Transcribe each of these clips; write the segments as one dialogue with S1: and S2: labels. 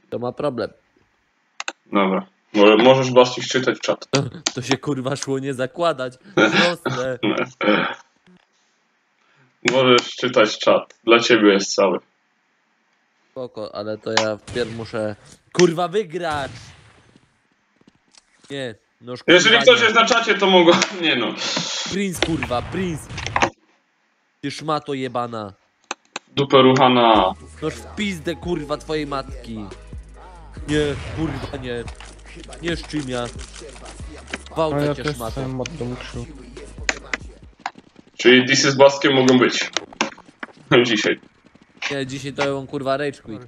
S1: To ma problem.
S2: Dobra. Możesz Basti czytać czat.
S1: To się kurwa szło nie zakładać. Proste.
S2: Możesz czytać czat. Dla ciebie jest cały.
S1: Spoko, ale to ja wpierw muszę kurwa wygrać. Nie, no kurwa,
S2: Jeżeli ktoś
S1: nie.
S2: jest na czacie, to mogą... Nie no.
S1: Prince kurwa, Prince. Ty szmato jebana.
S2: Dupę ruchana.
S1: Noż w pizdę kurwa twojej matki. Nie, kurwa nie. Nie szczymia.
S3: A
S1: Gwałcę
S3: ja
S1: cię
S3: też
S1: szmato.
S3: jestem od domu krzył.
S2: Czyli This z Bastkiem mogą być. Dzisiaj.
S1: Nie, dzisiaj to on kurwa rage quit.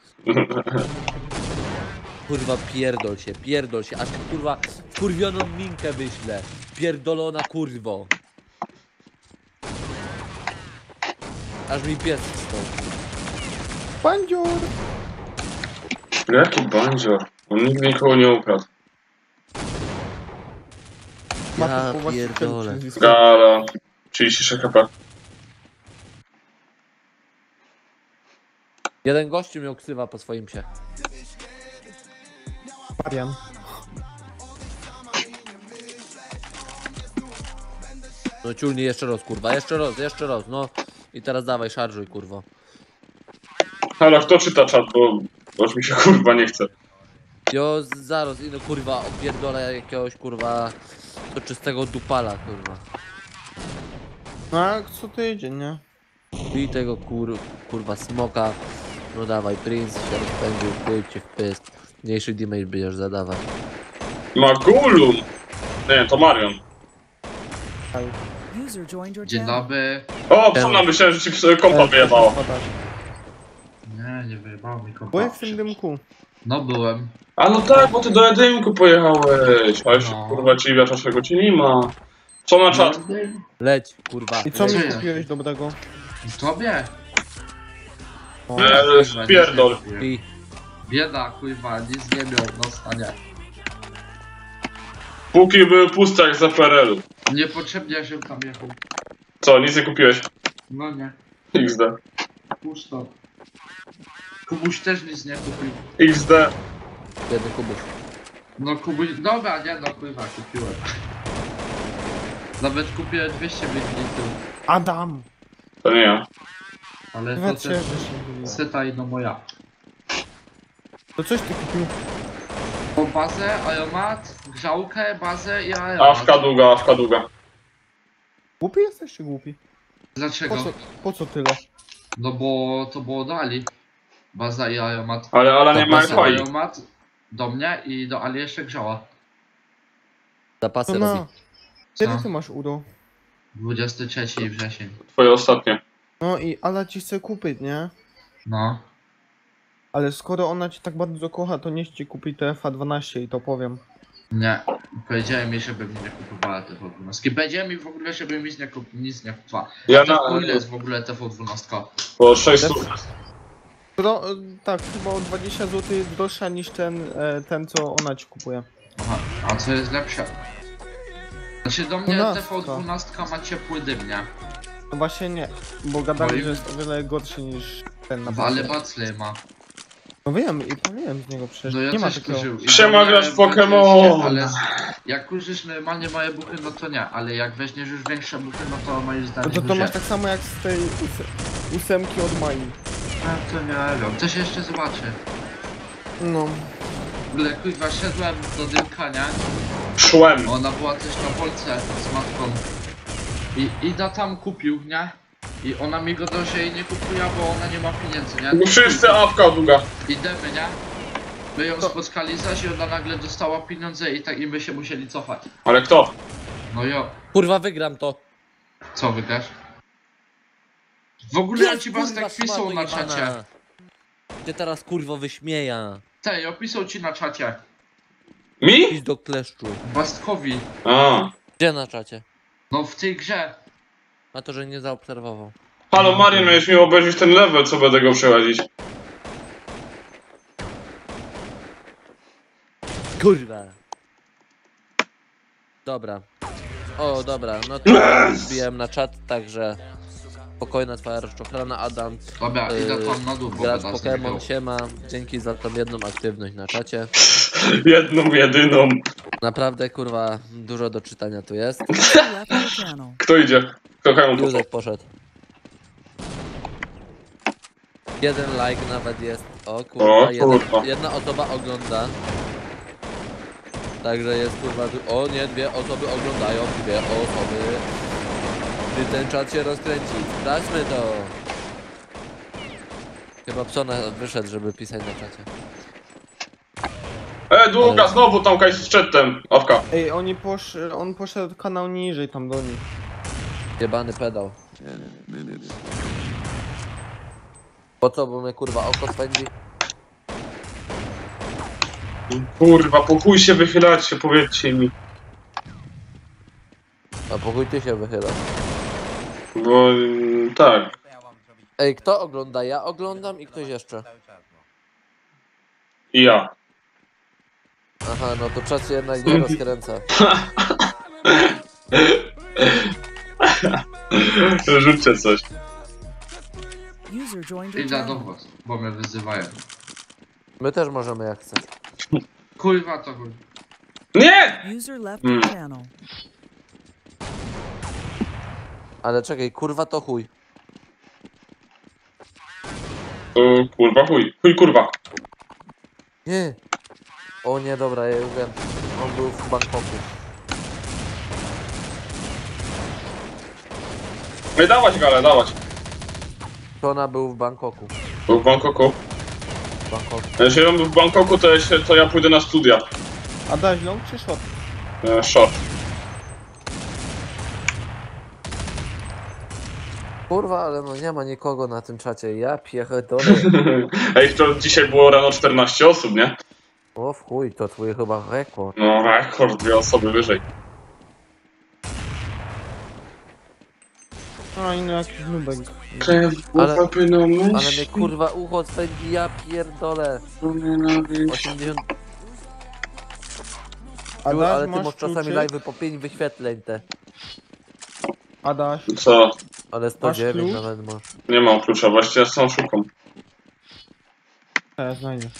S1: Kurwa pierdol się, aż kurwa wkurwioną minkę wyślę. Pierdolona kurwo. Aż mi pies wstąpi.
S3: Bandzior!
S2: Jaki bandzior? On nigdy nikogo nie ukradł.
S1: Ja pierdolę.
S2: Gala. 36 HP.
S1: Jeden gościu miał ksywa po swoim psie.
S3: Marian.
S1: No ciulnie jeszcze raz kurwa, jeszcze raz, no. I teraz dawaj, szarżuj kurwo.
S2: Ale kto czyta czat, bo już mi się kurwa nie chce.
S1: Jo, zaraz, no kurwa, opierdolę jakiegoś kurwa do czystego dupala kurwa.
S3: No a co tydzień, nie?
S1: I tego kurwa smoka. No dawaj, Prince się rozpędził, pójdźcie w pysk. Mniejszy damage będziesz zadawać.
S2: Magulum! Nie, to Marion.
S4: User joined your
S5: Dzień
S4: channel.
S5: dobry.
S2: O, psuna, myślałem, że ci kompa wyjebało.
S5: Nie wyjebało mi kompa.
S3: Byłeś w tym dymku.
S5: No byłem.
S2: A no tak, bo ty do jedynku pojechałeś. Ale się
S5: No.
S2: kurwa dziwia, czego ci nie ma. Co na czat?
S1: Leć, kurwa.
S3: I co mi
S5: Leć.
S3: kupiłeś dobrego?
S5: Tobie?
S3: O,
S2: Pierdol.
S1: I
S5: Bieda, kurwa, nic nie miał, no stanie.
S2: Póki były puste jak za PRL-u.
S5: Niepotrzebnie się tam jechał.
S2: Co, nic nie kupiłeś?
S5: No nie,
S2: XD.
S5: pusto. Kubuś też nic nie kupił.
S2: XD.
S1: biedny kubuś.
S5: No Kubuś, dobra, nie no kurwa, kupiłem. Nawet kupiłem 200 ml,
S3: Adam!
S2: To nie ja.
S5: ale to
S3: Nawet się,
S5: też
S3: że się byli.
S5: seta i no moja.
S3: To coś ty kupił?
S5: Po bazę, aromat, grzałkę, bazę i aromat.
S2: Awka długa.
S3: Głupi jesteś czy głupi?
S5: Dlaczego?
S3: Po co tyle?
S5: No bo to było dali. Baza i aromat.
S2: Ale Ala nie ma
S1: Zapasy
S2: faj.
S5: Aromat do mnie i do Ali jeszcze grzała.
S1: Zapasy
S3: To
S1: robi.
S3: na. Kiedy
S5: Co?
S3: ty masz udo?
S5: 23 wrzesień.
S2: Twoje ostatnie.
S3: No i Ala ci chce kupić, nie?
S5: No.
S3: Ale skoro ona cię tak bardzo kocha, to niech ci kupi TFA12 i to powiem.
S5: Nie. Powiedziałem mi, żeby mi nie kupowała TV12. Powiedziałem mi w ogóle, żeby mi nic nie kupowała.
S2: Ja
S5: To
S2: na...
S5: ile jest w ogóle TV12?
S2: Po 600.
S3: Tak, chyba o 20 zł droższa niż ten co ona ci kupuje.
S5: Aha. A co jest lepsze? Znaczy do mnie
S3: 12.
S5: TV12 ma ciepły dym, nie?
S3: No właśnie nie, bo gadali,
S5: Oj.
S3: że jest o wiele gorszy niż ten na
S5: Ale
S3: pewno.
S5: Bacley ma.
S3: No wiem i pamiętam z niego przecież.
S5: No ja
S3: nie ma
S5: też
S3: takiego.
S5: kurzył. I
S2: Siema,
S5: do mnie
S2: grasz w
S5: będzie
S2: Pokemon.
S5: się, ale jak kurzysz normalnie małe buchy, no to nie. Ale jak weźmiesz już większe buchy, no to moim
S3: No
S5: zdaniem
S3: to
S5: duże.
S3: masz tak samo jak z tej ósemki od Mai.
S5: A to nie wiem. To się jeszcze zobaczy.
S3: No.
S5: W ogóle kurwa szedłem do dymka, nie?
S2: Szłem.
S5: Ona była też na Polsce z matką. I Ida tam kupił, nie? I ona mi go do jej nie kupuje, bo ona nie ma pieniędzy, nie?
S2: No wszyscy awka długa.
S5: Idziemy, nie? My ją
S3: To-
S5: spotkali zaś i ona nagle dostała pieniądze i tak i my się musieli cofać.
S2: Ale kto?
S5: No jo,
S1: Kurwa wygram to.
S5: co wygrasz? W ogóle ja
S1: Jest,
S5: ci was
S1: kurwa,
S5: tak pisał
S1: szmato
S5: na
S1: jebana.
S5: czacie.
S1: Cię teraz kurwo wyśmieja.
S5: Tej, opisał ci na czacie.
S2: Mi?
S1: Idź do kleszczu.
S5: Bastkowi.
S2: A.
S1: Gdzie na czacie?
S5: No w tej grze.
S1: A to, że nie zaobserwował.
S2: Halo Marian, miałeś mi obejrzeć ten level, co będę go przechodzić.
S1: Kurwa. Dobra. O, dobra, no to wbiłem na czat, także Spokojna twoja rozczochrana, Adam.
S5: Dobra, idę tam na dół, bo
S1: Gracz
S5: będę
S1: Pokémon,
S5: zbiegał.
S1: siema. Dzięki za tą jedną aktywność na czacie.
S2: Jedną, jedyną.
S1: Naprawdę, kurwa, dużo do czytania tu jest.
S4: Left your channel.
S2: Kto idzie? Kochają to.
S1: Józek poszedł. Jeden like nawet jest. O kurwa,
S2: O, kurwa.
S1: jedna osoba ogląda. Także jest kurwa. O nie, dwie osoby oglądają, dwie osoby. Gdy ten czat się rozkręci. Sprawdźmy to. Chyba Psona wyszedł, żeby pisać na czacie.
S2: Długa, znowu tam kaj z chatem. Awka.
S3: Ej, on poszedł kanał niżej tam do nich.
S1: Jebany pedał. Po co, bo mnie kurwa oko spędzi?
S2: Kurwa, po chuj się wychylacie, powiedzcie mi.
S1: A pokój ty się wychylasz.
S2: Bo tak.
S1: Ej, kto ogląda? Ja oglądam i ktoś jeszcze.
S2: I ja.
S1: Aha, no to czas się jednak nie rozkręca.
S2: Rzućcie coś.
S4: User joined your
S5: Idę do
S4: channel.
S5: was, bo mnie wyzywają.
S1: My też możemy jak chcesz.
S5: Kurwa to chuj.
S2: Nie!
S4: User left your channel.
S1: Ale czekaj, kurwa to chuj.
S2: Kurwa, chuj. Chuj, kurwa.
S1: Nie. O nie, dobra, ja już wiem. On był w Bangkoku.
S2: Nie dawać galę, dawać.
S1: Tona był w Bangkoku.
S2: Był w Bangkoku.
S1: W Bangkoku.
S2: Jeśli on był w Bangkoku, to ja pójdę na studia.
S3: Adaś, long czy short?
S2: Short.
S1: Kurwa, ale no nie ma nikogo na tym czacie. Ja pierdolę.
S2: Ej, to dzisiaj było rano 14 osób, nie?
S1: O w chuj, to twój chyba rekord.
S2: No, rekord, 2 osoby wyżej.
S3: A, inny jakiś nubek.
S1: Ale-
S2: Ale
S1: Ale mnie kurwa ucho spędzi, ja pierdolę. 80...
S3: Adaś,
S1: Ale ty
S3: masz
S1: masz czasami
S3: kluczyk?
S1: live po 5 wyświetleń te.
S3: Adaś,
S2: Co?
S1: Ale 109
S3: klucz?
S1: nawet masz.
S2: Nie mam klucza, właściwie ja sam szukam.
S3: znajdziesz.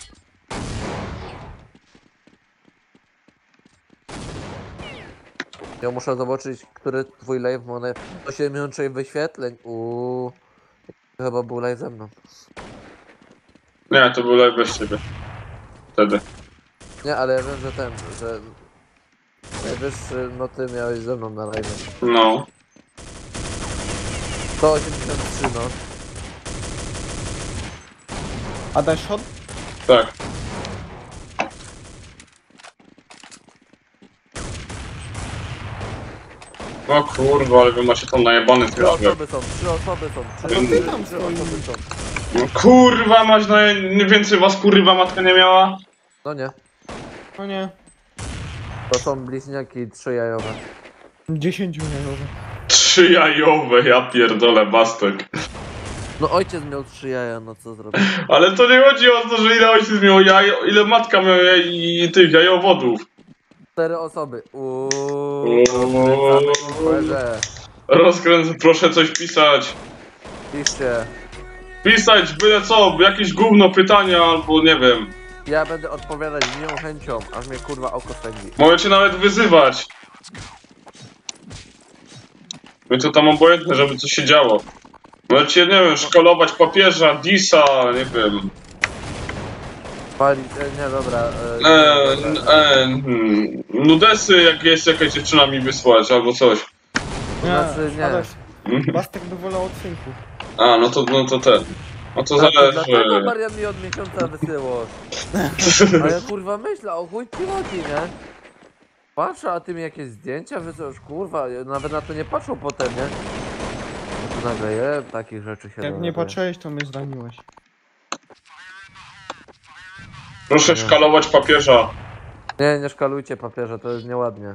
S1: Ja muszę zobaczyć, który twój live ma 86 wyświetleń. Chyba był live ze mną.
S2: Nie, to był live bez ciebie. Wtedy.
S1: Nie, ale ja wiem, że że najwyższy, no ty miałeś ze mną na live.
S2: No.
S1: 183 no.
S3: Adaś, short?
S2: Tak. O kurwa, ale wy macie tam najebany
S1: 3
S2: tyrażer.
S1: osoby są, 3 osoby są. 3
S2: No
S3: ty tam
S1: osoby są.
S2: No kurwa, masz więcej was kurwa matka nie miała?
S1: No nie,
S3: O nie.
S1: to są bliźniaki 3 jajowe.
S3: 10 milionowe.
S2: 3 jajowe, ja pierdolę, bastek.
S1: No ojciec miał 3 jaja, no co zrobić?
S2: Ale to nie chodzi o to, że ile ojciec miał jaj, ile matka miała i tych jajowodów.
S1: 4 osoby.
S2: Uuu.
S1: Rozkręcamy
S2: Proszę coś pisać.
S1: Piszcie.
S2: Pisać byle co, jakieś gówno pytania albo nie wiem.
S1: Ja będę odpowiadać z miłą chęcią, aż mnie kurwa oko spędzi.
S2: Możecie nawet wyzywać. My to tam obojętne, żeby coś się działo. Możecie, nie wiem, szkalować papieża, Disa, nie wiem.
S1: Palić, nie dobra.
S2: Nudesy, jak jest jakaś dziewczyna mi wysłać albo coś.
S1: Znaczy nie.
S3: Adaś,
S2: Mhm.
S3: Bastek by wolał odcynków.
S2: A, no to ten. No to
S1: Dlatego
S2: zależy.
S1: Marian mi od miesiąca wysyłasz. A ja kurwa myślę, o chuj ci chodzi, nie? Patrzę, a ty mi jakieś zdjęcia wysyłasz, kurwa, ja nawet na to nie patrzą potem, nie? No to nagle takich rzeczy się
S3: Jak nie
S1: dowiaduje.
S3: patrzyłeś, to mnie zraniłeś.
S2: Proszę szkalować papieża.
S1: Nie szkalujcie papieża, to jest nieładnie.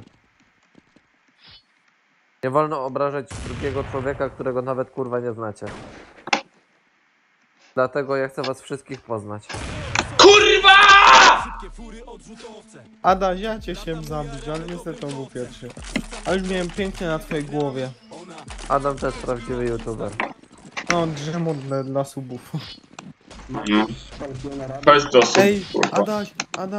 S1: Nie wolno obrażać drugiego człowieka, którego nawet kurwa nie znacie. Dlatego ja chcę was wszystkich poznać.
S2: Kurwa!
S3: Adaś, ja cię chciałem zabić, ale niestety on był pierwszy. Ale już miałem pięknie na twojej głowie.
S1: Adam to jest prawdziwy youtuber.
S3: No, drzemot dla subów.
S2: No. Chodź do sub,
S3: Ej,
S2: kurwa.
S3: Adaś,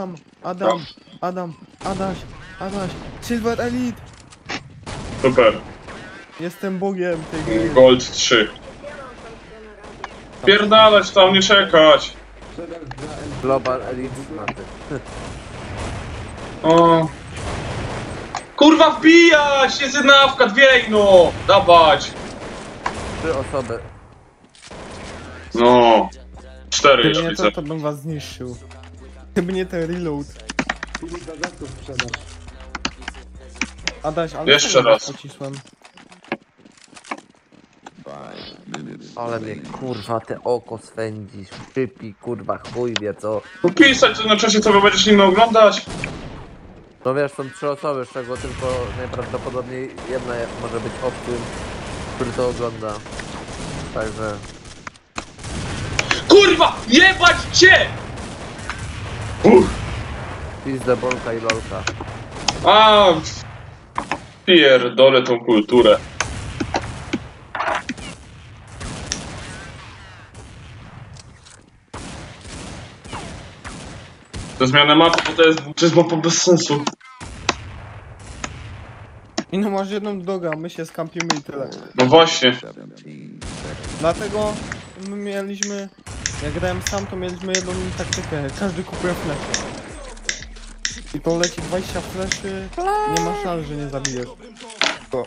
S3: Adaś, Silver Elite!
S2: Super.
S3: Jestem bogiem tej gry.
S2: Gold 3. Pierdalać tam, nie czekać.
S1: Global Elite Smaty.
S2: O. Kurwa wbijać! Jest jedna awka, dwie no! Dawać!
S1: 3 osoby.
S2: No. 4
S3: Gdyby
S2: już
S3: nie
S2: widzę.
S3: to bym was zniszczył. Gdyby nie ten reload. Adaś, ale
S2: Jeszcze
S3: czemu
S2: raz.
S3: pocisłem?
S1: Ale mnie kurwa te oko swędzisz. Szczypi, kurwa chuj wie co.
S2: Pisać to na czasie, co wy będziesz inny oglądać.
S1: No wiesz, są 3 osoby, z czego tylko najprawdopodobniej jedna może być obcym, który to ogląda. Także...
S2: Kurwa! Jebać cię!
S1: Pizdę, bolka i lolka.
S2: A, pierdolę tą kulturę. To zmiana mapy, bo to jest mapa bez sensu.
S3: I no masz jedną drogę, a my się skampimy i tyle.
S2: No właśnie.
S3: Dlatego my mieliśmy... Jak grałem sam, to mieliśmy jedną taktykę. Każdy kupuje flesze. I to leci 20 fleszy, nie ma szans, że nie zabijesz. O.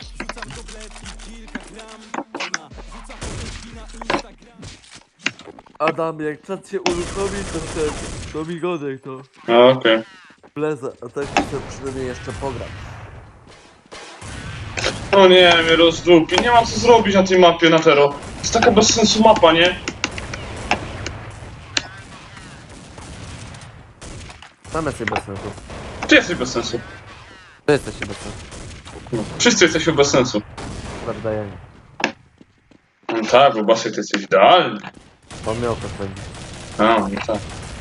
S1: Adam, jak czat się uruchomi, to migodek to
S2: A, okej.
S1: wlezę, a tak chcę przynajmniej jeszcze pograć.
S2: O nie, mnie rozdupi. Nie mam co zrobić na tej mapie na Tero. To jest taka bez sensu mapa, nie?
S1: Mamy sobie bez sensu.
S2: Ty jesteś bez sensu.
S1: Ty jesteście bez sensu.
S2: No. Wszyscy jesteśmy bez sensu.
S1: Prawda, ja nie.
S2: No tak, bo Basy ty jesteś idealny.
S1: Bo mnie oko swędzi.
S2: A, no tak.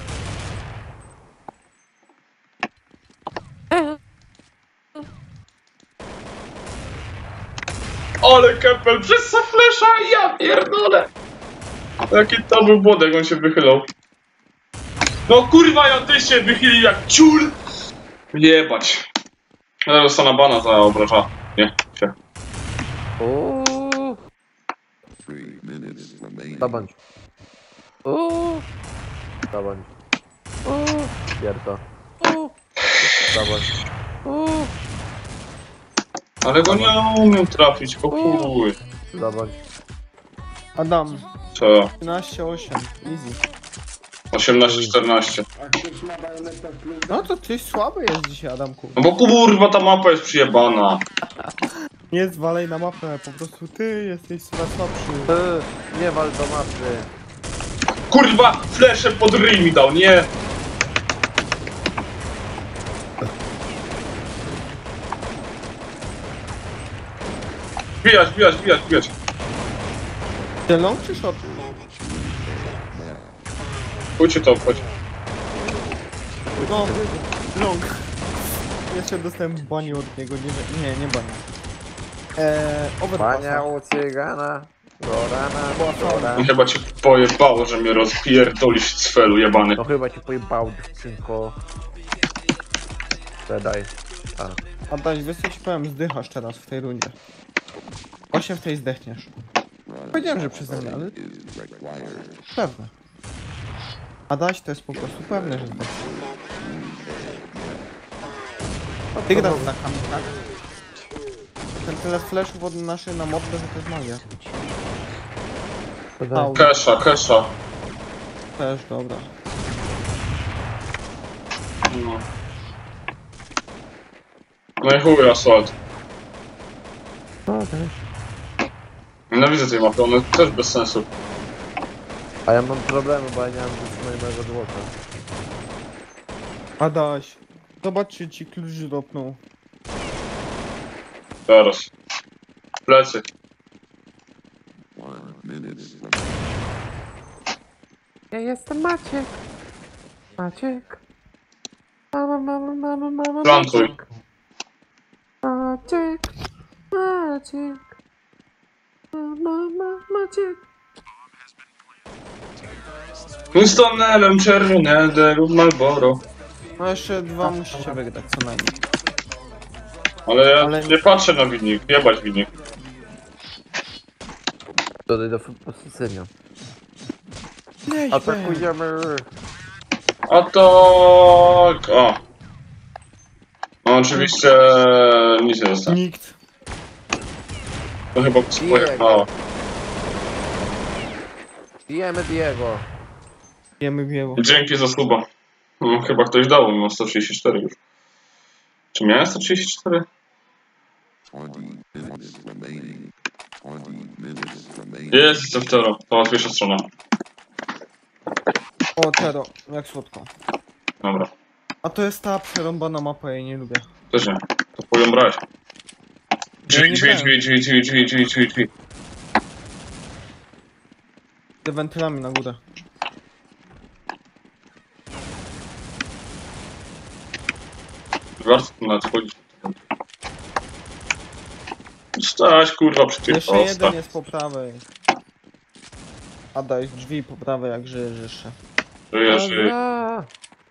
S2: Ale Kepel przez flesza, ja pierdolę! Jaki to był błąd, jak on się wychylał. No kurwa, ja ty się wychylił jak ciul! Jebać. Ja dostanę bana za obraża. Nie, się.
S1: Uuuu. Zabądź. Uuuu. Zabądź. Uuuu. Pierdo. Uuuu. Zabądź. Uuuu.
S2: Ale go nie umiem trafić, o chuj.
S1: Zabądź.
S3: Adam,
S2: Co?
S3: 13-8, easy.
S2: 18-14.
S3: No to ty słaby jest dzisiaj, Adamku.
S2: No bo kurwa, ta mapa jest przyjebana.
S3: Nie zwalej na mapę, po prostu ty jesteś chyba słabszy.
S1: Nie wal do mapy.
S2: Kurwa, flesze pod ryj mi dał, nie? Bijać, bijać, bijać, bijać.
S3: Long czy short?
S2: Chodźcie to obchodź.
S3: No, long. Jeszcze dostałem bani od niego, nie bani. Overpassa.
S1: Pania u cygana. Do rana, do rana.
S2: I chyba cię pojebało, że mnie rozpierdolisz z felu jebany.
S1: No chyba ci pojebał dziewczynko. Daj.
S3: Adaś, wiesz co ci powiem, zdychasz teraz w tej rundzie. 8 w tej zdechniesz. Powiedziałem, że przeze mnie, ale... Pewne. Adaś, to jest po prostu pewne, że zdechniesz. Ty grasz za kamikach. Ten tyle flashów od naszej na modle, że to jest magia. Au,
S2: Kesha, Kesha.
S3: też, dobra.
S2: No. No i chuj, asfalt. Nienawidzę tej mapy, ona jest też bez sensu.
S1: A ja mam problemy, bo ja nie mam wytrzymanego złota.
S3: Adaś, zobacz czy ci klucz dropnął.
S2: Teraz. Plecy.
S1: Ja jestem Maciek. Maciek. Mama.
S2: Plantuj.
S1: Maciek. Maciek. Maciek.
S2: Winstonelem, czerwonego lub Marlboro.
S3: No jeszcze 2 musicie wygrać co najmniej.
S2: Ale ja
S3: Ale-
S2: nie patrzę na winnik, jebać winnik.
S1: Dodaj do posycenia.
S3: Leź,
S1: Atakujemy!
S2: A to... O. No oczywiście nic nie dostałem.
S3: Nikt.
S2: To chyba pojechało.
S1: Bijemy Diego.
S3: Wiemy wieło.
S2: Dzięki za suba. No, chyba ktoś dał, mimo 134 już. Czy miałem 134? Jest, jestem w Tero. To łatwiejsza strona.
S3: O, Tero, jak słodko.
S2: Dobra.
S3: A to jest ta przerąbana mapa, ja jej nie lubię.
S2: Też nie. To powiem brać. Drzwi,
S3: nie
S2: drzwi,
S3: brałem.
S2: drzwi, drzwi, drzwi, drzwi, drzwi, drzwi, drzwi.
S3: Te wentylami na górę.
S2: Warto tu nadchodzić. Stać kurwa przy tych
S3: Jeszcze jeden
S2: postach.
S3: jest po prawej. A daj drzwi po prawej, jak żyjesz jeszcze.
S2: Żyje, żyje.
S1: Dobra.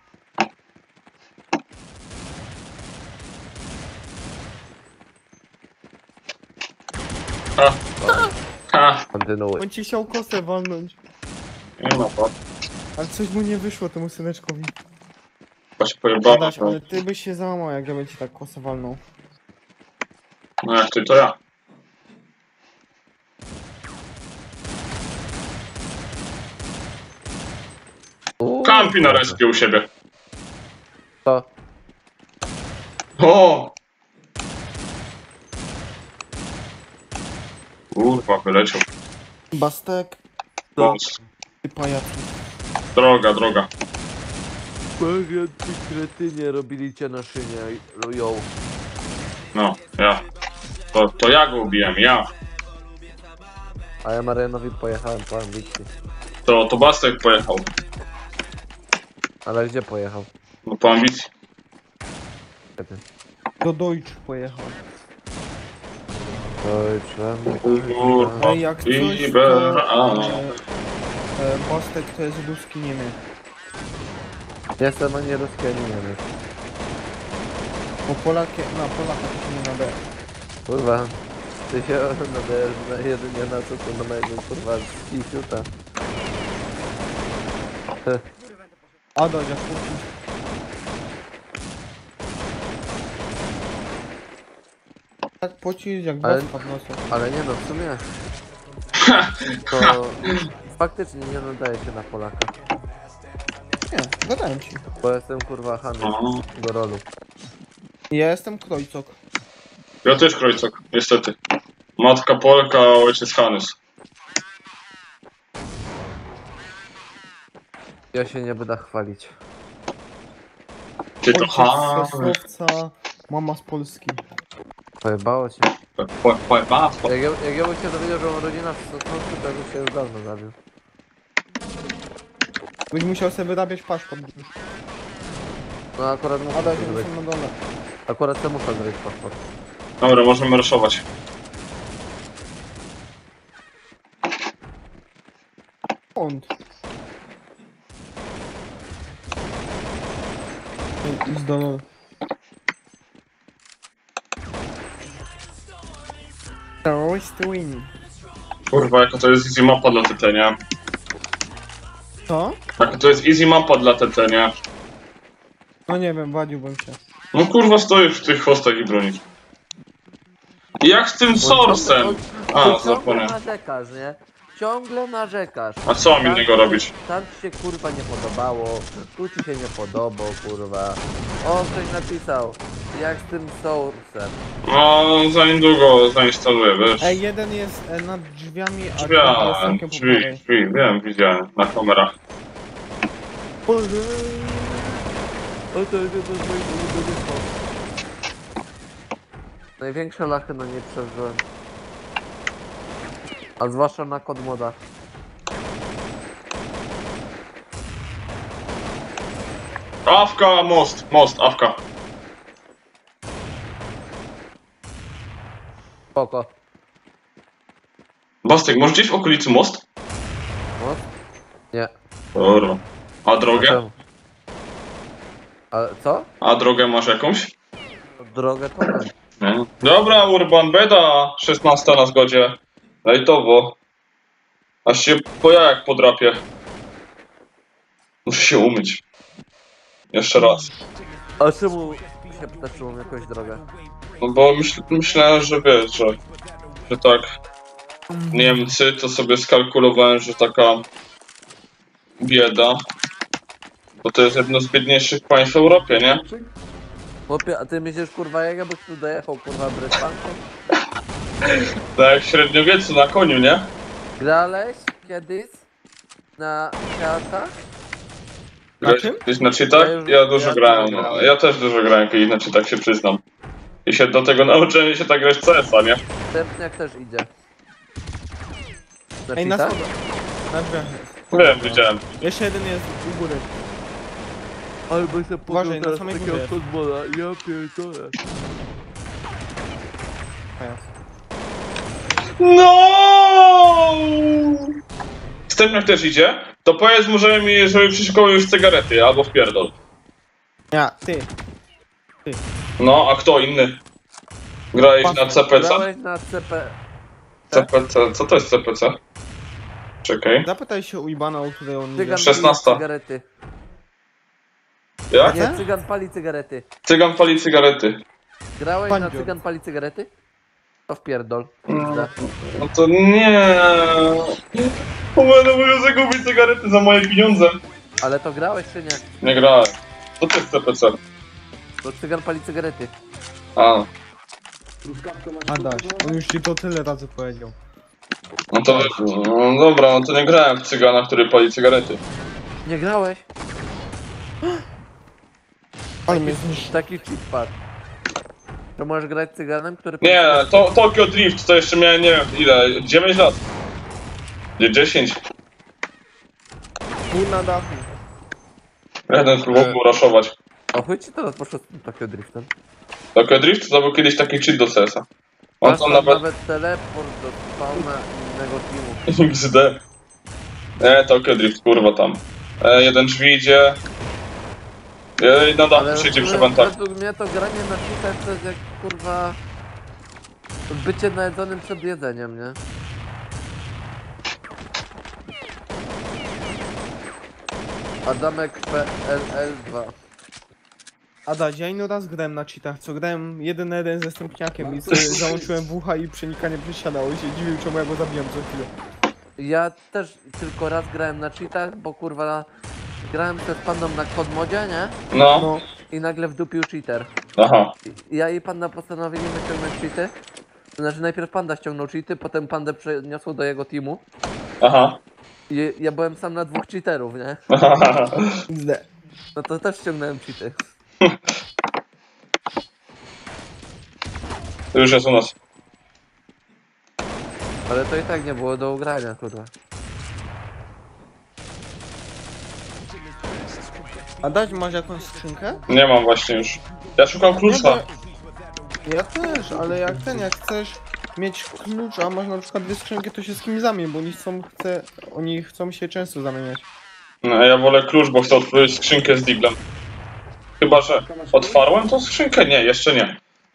S2: Ha. Ha.
S1: Kontynuuj.
S3: On ci chciał kosę walnąć.
S2: Nie ma pat.
S3: Ale coś mu nie wyszło temu syneczkowi.
S2: Chyba się pojebało.
S3: Adaś, ale ty byś się załamał, jak ja bym ci tak kosę walnął.
S2: No jak ty, to ja. Kampi na respie u siebie.
S1: To.
S2: O! Kurwa, wyleciał.
S3: Bastek,
S2: Wąs.
S3: ty pajacu.
S2: Droga, droga.
S1: Ty kretynie robili cię na szynie, ją.
S2: No, ja. To ja go ubiłem, ja.
S1: A ja Marianowi pojechałem po ambicji.
S2: To Bastek pojechał.
S1: Ale gdzie pojechał?
S2: No po ambicji.
S1: Kretyn.
S3: Do Deutsch pojechał.
S2: Kurwa.
S3: Ej, jak coś,
S2: Iber, a.
S3: Bastek to jest ruski Niemiec.
S1: Jestem ani ruski, ani Niemiec.
S3: Bo Polakie, na Polaka to się nie nadaje.
S1: Kurwa. Ty się nadajesz na jedynie na co, to na mojego kurwa z Kisiuta.
S3: Adaś, jak kurczę. Tak pocisk jak
S1: Ale-
S3: baska w nosie.
S1: Ale nie no, w sumie. To faktycznie nie nadaje się na Polaka.
S3: Nie, gadałem ci.
S1: Bo jestem kurwa Hanys
S2: O.
S1: do rolu.
S3: Ja jestem Krojcok.
S2: Ja też Krojcok, niestety. Matka Polka, a ojciec Hanys.
S1: Ja się nie będę chwalić.
S2: Ty to
S3: Ojciec z
S2: Hanys.
S3: Sosnowca, mama z Polski.
S1: Pojebało cię.
S2: Pojebało.
S1: Jak ja bym się dowiedział, że mam rodzina w Sosnowcu, to bym się już dawno zabił.
S3: Byś musiał sobie wyrabiać paszport.
S1: No akurat muszę
S3: Adaś,
S1: to
S3: ja
S1: zrobić.
S3: jestem na dole.
S1: Akurat to muszę zrobić paszport.
S2: Dobra, możemy raszować.
S3: Skąd? Idź do dole. Terrorist win.
S2: Kurwa, jaka to jest easy mapa dla TT, nie?
S3: Co?
S2: Jaka to jest easy mapa dla TT, nie?
S3: No nie wiem, wadziłbym się.
S2: No kurwa, stoisz w tych chwostach i bronisz. I jak z tym sourcem? A,
S1: Ciągle
S2: zapomniałem.
S1: narzekasz, nie? Ciągle narzekasz.
S2: A co mam innego robić?
S1: Tam ci się kurwa nie podobało, tu ci się nie podobał, kurwa. O, ktoś napisał, jak z tym source'em.
S2: No, za niedługo zainstaluję, wiesz?
S3: Ej, jeden jest nad drzwiami, a drugi
S2: Drzwi,
S3: jest całkiem po
S2: drzwi,
S3: prawej.
S2: drzwi, wiem, widziałem na kamerach.
S1: O, to jest jedno z moich ulubionych słów. Największe lachy na nie przeżyłem. A zwłaszcza na kod modach.
S2: Awka, most, awka.
S1: Spoko.
S2: Bastek, może gdzieś w okolicy most?
S1: Most? Nie.
S2: Dobra. A drogę?
S1: Czemu? A co?
S2: A drogę masz jakąś?
S1: Drogę to nie.
S2: Nie. Dobra, Urban, beda. 16 na zgodzie. Lajtowo. Aż się po jajach podrapię. Muszę się umyć. Jeszcze raz.
S1: A czemu się pytasz, czy mam jakąś drogę?
S2: No bo myślałem, że wiesz, że tak Niemcy, to sobie skalkulowałem, że taka bieda. Bo to jest jedno z biedniejszych państw w Europie, nie?
S1: Chłopie, a ty myślisz, kurwa, jak ja byś tu dojechał, kurwa, Brytanką?
S2: Tak jak w średniowieczu na koniu, nie?
S1: Grałeś kiedyś na światach?
S3: Na czym?
S2: Gdzieś na cheatach? Ja dużo
S1: Ja
S2: grałem.
S1: dużo
S2: No.
S1: grałem.
S2: Ja też dużo grałem kiedyś na cheatach, się przyznam. I się do tego nauczyłem się tak grać w CS-a, nie?
S1: Stepniak też idzie. Na
S3: Ej, na
S1: cheatach?
S3: schodach. Na drzwiach jest.
S2: Wiem, widziałem.
S3: Jeszcze jeden jest u góry.
S1: Albo się
S3: Uważaj, na samej górze jest.
S1: futbola, ja pierdolę.
S2: No! Stepniak też idzie? To powiedz mu, żeby przyszykował już cygarety, albo wpierdol.
S3: Ja, ty.
S2: No, a kto inny? Grałeś na CPC?
S1: Grałeś na CP...
S2: CPC, co to jest CPC? Czekaj.
S3: Zapytaj się u Ibana, o której on
S1: Cygan
S3: idzie.
S2: 16.
S1: pali cygarety.
S2: Jak?
S1: Nie, cygan pali cygarety.
S2: Cygan pali cygarety.
S1: Grałeś na
S3: Bandzio.
S1: cygan pali cygarety? To wpierdol.
S2: No to nie. O, będę musiał zagubić cygarety za moje pieniądze.
S1: Ale to grałeś czy nie?
S2: Nie grałem. Co to jest CPC?
S1: To cygan pali cygarety.
S2: A,
S3: Adaś, on już ci to tyle razy powiedział.
S2: no to no dobra, no to nie grałem w cygana, który pali cygarety.
S1: Nie grałeś?
S3: Ale mnie zniszczy.
S1: Taki cheat pad. To możesz grać cyganem, który...
S2: Nie, to Tokyo Drift to jeszcze miałem nie wiem ile, 9 lat. Nie, 10.
S3: Pół na dachu.
S2: Jeden próbował raszować.
S1: A chuj ci teraz poszło z tym Tokyo Driftem.
S2: Tokyo Drift to był kiedyś taki cheat do CS-a. On
S1: Masz
S2: tam
S1: tam
S2: nawet...
S1: nawet teleport do spawna innego teamu.
S2: XD. Nie, Tokyo Drift, kurwa tam. Jeden drzwi idzie. Na dachu siedzi przy wentach.
S1: według mnie to granie na cheatach to jest jak kurwa... bycie najedzonym przed jedzeniem, nie? Adamek PLL2.
S3: Adaś, ja inny raz grałem na cheatach, co grałem 1 na 1 ze stępniakiem i sobie załączyłem wucha i przenikanie przesiadało i się dziwił, czemu ja go zabijam co chwilę.
S1: Ja też tylko raz grałem na cheatach, bo kurwa... grałem ze z pandą na kod modzie, nie?
S2: No,
S3: No,
S1: I nagle wdupił cheater.
S2: aha.
S1: Ja i panda postanowili wyciągnąć cheaty. To znaczy najpierw panda ściągnął cheaty, potem pandę przeniosło do jego teamu.
S2: Aha.
S1: I ja byłem sam na 2 cheaterów, nie?
S3: XD.
S1: No to też ściągnąłem cheaty.
S2: To już jest u nas.
S1: Ale to i tak nie było do ugrania, kurwa.
S3: Adaś, masz jakąś skrzynkę?
S2: Nie mam właśnie już. Ja szukam klucza.
S3: Ja też, ale jak jak chcesz mieć klucz, a masz na przykład 2 skrzynki, to się z kimś zamień, bo oni chcą się często zamieniać.
S2: No, ja wolę klucz, bo chcę otworzyć skrzynkę z diglem. Chyba, że otwarłem tą skrzynkę? Nie, jeszcze nie.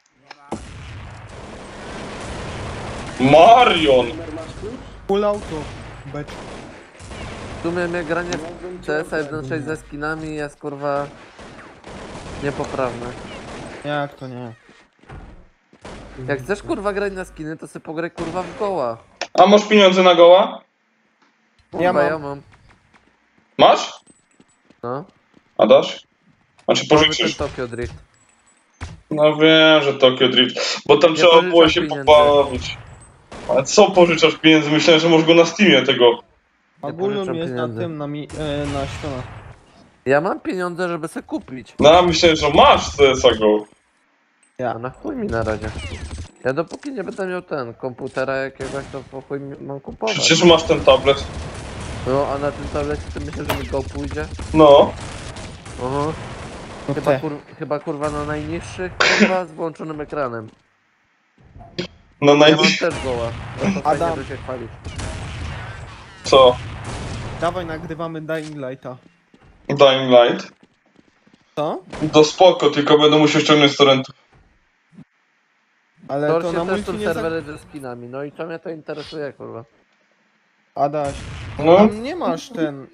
S2: Marion!
S3: Full auto. Becz.
S1: W sumie mnie granie w CS-a 1.6 ze skinami jest kurwa... niepoprawne.
S3: Jak to nie?
S1: Jak chcesz kurwa grać na skiny, to sobie pograj kurwa w goła.
S2: A masz pieniądze na goła?
S1: Kurwa,
S3: mam.
S1: ja mam.
S2: Masz?
S1: No.
S2: A dasz? Znaczy
S1: Mamy ten
S2: pożyczysz?
S1: Tokyo Drift.
S2: No wiem, że Tokyo Drift. Bo tam
S1: Ja
S2: trzeba było
S1: pożyczam
S2: się
S1: pieniędzy.
S2: pobawić. Ale co pożyczasz pieniędzy? Myślałem, że możesz go na Steamie tego.
S3: Ogólnie
S1: pożyczam
S3: jest
S1: pieniędzy.
S3: na tym, na ślionach.
S1: Ja mam pieniądze, żeby sobie kupić.
S2: No, myślałem, że masz CS-a go.
S1: A na chuj mi na razie. Ja dopóki nie będę miał komputera jakiegoś, to po chuj mam kupować.
S2: Przecież masz ten tablet.
S1: No, a na tym tablecie ty myślisz, że mi go pójdzie?
S2: No.
S1: Aha.
S3: No
S2: Tak.
S1: Chyba kurwa na najniższych, kurwa z włączonym ekranem.
S2: No
S1: Ja mam
S2: najpierw...
S1: też goła. To fajnie,
S3: Adam.
S1: że się chwalisz.
S2: Co?
S3: Dawaj, nagrywamy Dying Lighta.
S2: Dying Light.
S3: Co?
S2: To spoko, tylko będę musiał ściągnąć z torrentów.
S3: Ale
S1: To
S3: to
S1: się
S3: na
S1: też
S3: multi
S1: są
S3: nie
S1: serwery ze skinami, no i co mnie to interesuje, kurwa.
S3: Adaś,
S2: No.
S3: tam nie masz ten...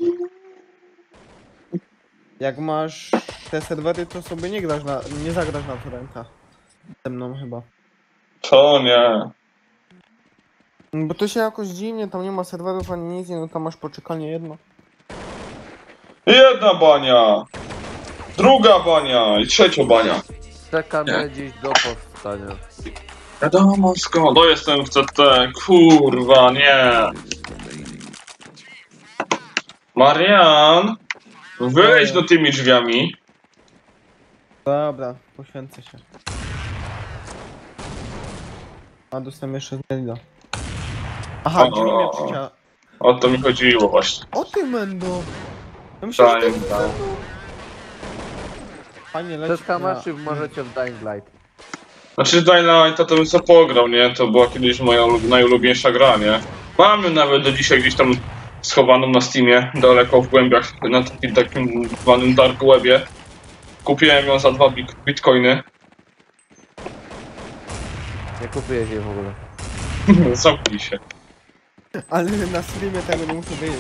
S3: Jak masz te serwery, to sobie nie grasz nie zagrasz na torrentach. Ze mną chyba.
S2: To nie.
S3: Bo to się jakoś dziwnie, tam nie ma serwerów ani nic, no tam masz poczekalnie jedno.
S2: Jedna bania. Druga bania i trzecia bania.
S1: Czekamy dziś do powstania.
S2: Wiadomo skąd. No jestem w CT, kurwa, nie. Marian, wyjdź do tymi drzwiami.
S3: Dobra, poświęcę się. A dostałem jeszcze z Nelida. Aha, drzwi mnie przycia...
S2: O to mi chodziło właśnie.
S3: O ty Mendo! Ja myślałem, że to
S2: Dying
S3: jest
S2: Light.
S3: Mendo. Fajnie leci.
S1: Przez Hamaszy możecie w Dying Light.
S2: Znaczy Dying Lighta to bym sobie pograł, nie? To była kiedyś moja najulubieńsza gra, nie? Mam ją nawet do dzisiaj gdzieś tam schowaną na Steamie, daleko w głębiach, na takim zwanym dark webie. Kupiłem ją za 2 bitcoiny.
S1: Nie kupuję się w ogóle.
S2: Zamknij się.
S3: Ale na streamie tego nie muszę wiedzieć.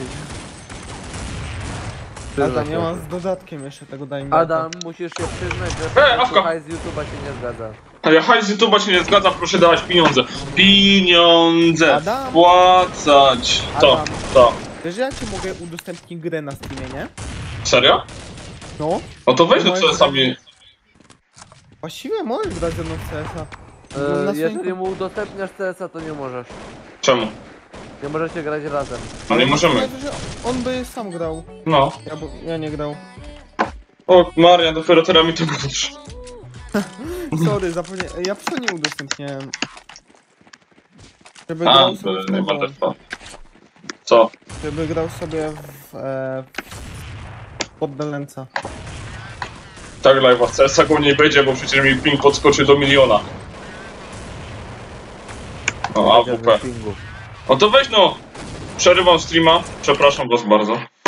S3: Adam, ja mam z dodatkiem jeszcze tego Dying Lighta.
S1: Adam, musisz się przyznać, że
S2: Awka!
S1: hajs z YouTube'a się nie zgadza.
S2: A ja hajs z YouTube'a się nie zgadza, proszę dawać pieniądze. Pieniądze!
S3: Adam!
S2: Wpłacać! To,
S3: Adam.
S2: to.
S3: Wiesz, że ja ci mogę udostępnić grę na streamie, nie?
S2: Serio?
S3: No.
S2: No to weź do
S3: Moje
S2: CS-ami.
S3: Właściwie możesz grać ze mną w CS-a. Na swoim
S1: Jeżeli mu udostępniasz CS-a, to nie możesz.
S2: Czemu?
S1: Nie możecie grać razem.
S2: No nie możemy.
S3: Znaczy, że on by sam grał.
S2: No.
S3: Ja nie grał.
S2: O, Maria, dopiero teraz mi to mówisz.
S3: Sorry, zapomniałem. Ja psa nie udostępniałem. Żeby
S2: A,
S3: grał
S2: to
S3: sobie w
S2: nie ma
S3: tego.
S2: też. Co?
S3: Żeby grał sobie pod Delenca.
S2: Tak, live'a w CS-a go nie będzie, bo przecież mi ping podskoczy do 1 000 000. O, AWP.
S1: Pingu.
S2: No to weź no! Przerywam streama. Przepraszam was bardzo.